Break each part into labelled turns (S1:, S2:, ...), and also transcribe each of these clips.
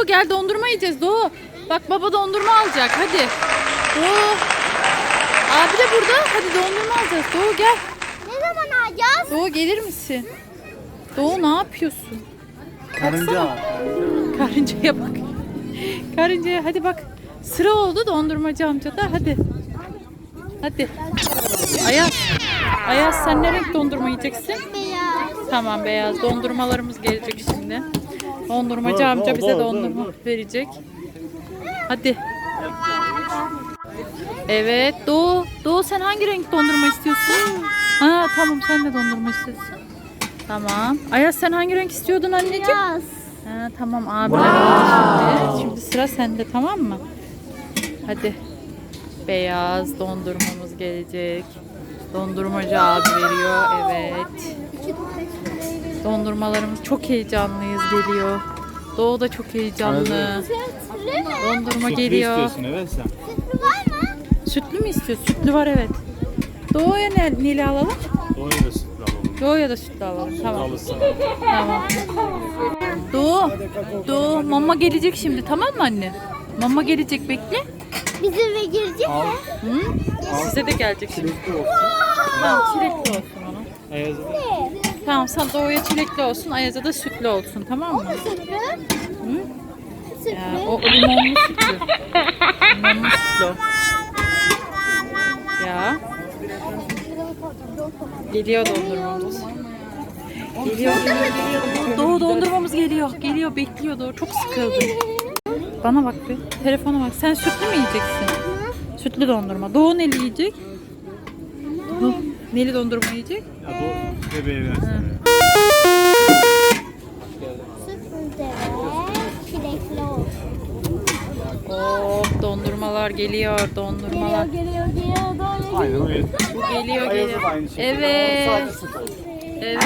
S1: Doğu gel dondurma yiyeceğiz Doğu. Bak baba dondurma alacak hadi. Doğu. Abi de burada. Hadi dondurma alacağız. Doğu gel.
S2: Ne zaman alacağız?
S1: Doğu gelir misin? Doğu ne yapıyorsun?
S3: Karınca.
S1: Karıncaya bak. Karıncaya hadi bak. Sıra oldu dondurmacı amcada. Hadi. Hadi. Ayaz. Ayaz sen ne renk dondurma yiyeceksin?
S2: Beyaz.
S1: Tamam beyaz. Dondurmalarımız gelecek şimdi. Dondurmacı amca bize dondurma verecek. Hadi. Evet Doğu. Doğu sen hangi renk dondurma istiyorsun? Ha tamam sen de dondurma istiyorsun. Tamam. Ayaz sen hangi renk istiyordun anneciğim?
S2: Beyaz.
S1: Ha, tamam abiler aldı şimdi. Şimdi sıra sende tamam mı? Hadi. Beyaz dondurmamız gelecek. Dondurmacı abi veriyor. Evet. Dondurmalarımız çok heyecanlıyız geliyor. Doğu da çok heyecanlı.
S2: Sütlü mü?
S1: Dondurma
S3: Sütlü
S1: geliyor.
S3: istiyorsun evet sen.
S2: Sütlü var mı?
S1: Sütlü mü istiyorsun? Sütlü var evet. Doğu'ya neli alalım?
S3: Doğuya da sütlü alalım.
S1: Doğu'ya da sütlü alalım. Tamam.
S3: Alırsın.
S1: Tamam. Doğu. Doğu mama gelecek şimdi tamam mı anne? Mama gelecek bekle.
S2: Bizim eve girecek mi?
S1: Hı? Size de gelecek şimdi.
S3: Çilekli olsun.
S1: Tamam çilekli olsun ona.
S3: Ayaz'a da.
S1: Tamam sen Doğu'ya çilekli olsun, Ayaz'a da sütlü olsun tamam mı?
S2: Sütlü.
S1: Hı?
S2: Sütlü.
S1: Ya, o limonlu sütlü. Limonlu sütlü. o. Ya. Geliyor dondurmamız. Geliyor. Doğu dondurmamız geliyor. Geliyor bekliyor Doğu. Çok sıkıldı. Bana bak bir. Telefona bak. Sen sütlü mü yiyeceksin? Sütlü dondurma. Doğu neli yiyecek? Doğu neli dondurma yiyecek?
S3: Ya Doğu bebeğe versene.
S2: Sütlü de çilekli olsun.
S1: Hop dondurmalar geliyor. Dondurmalar.
S2: Geliyor. Doğru.
S3: Aynen o yeter.
S1: Bu geliyor
S3: Ayaz'a
S1: geliyor.
S3: da aynı şekilde.
S1: Evet.
S3: Sadece süt olsun.
S1: Evet.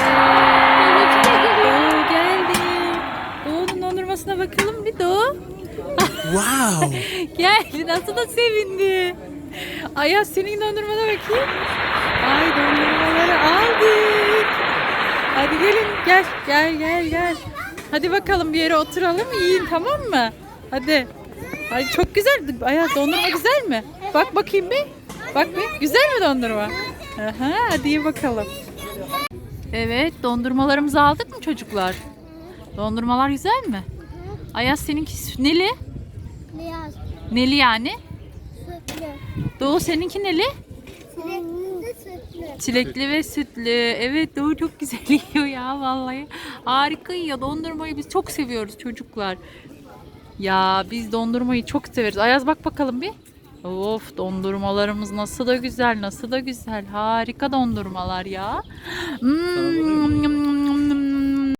S1: Doğu geldi. Doğu'nun dondurmasına bakalım bir Doğu.
S3: Wow.
S1: Geldi nasıl da sevindi. Ayaz senin dondurmana bakayım. Ay dondurmaları aldık. Hadi gelin gel. Hadi bakalım bir yere oturalım yiyin tamam mı? Hadi. Ay çok güzel. Ayaz dondurma güzel mi? Bak bakayım bir. Bak bir. Güzel mi dondurma? Aha, hadi ye bakalım. Evet dondurmalarımızı aldık mı çocuklar? Dondurmalar güzel mi? Ayaz seninki neli?
S2: Beyaz.
S1: Neli yani?
S2: Sütlü.
S1: Doğu seninki neli?
S2: Çilekli de sütlü.
S1: Çilekli ve sütlü. Evet Doğu çok güzel yiyor ya vallahi. Harika yiyor. Dondurmayı biz çok seviyoruz çocuklar. Ya biz dondurmayı çok severiz. Ayaz bak bakalım bir. Of dondurmalarımız nasıl da güzel, nasıl da güzel. Harika dondurmalar ya.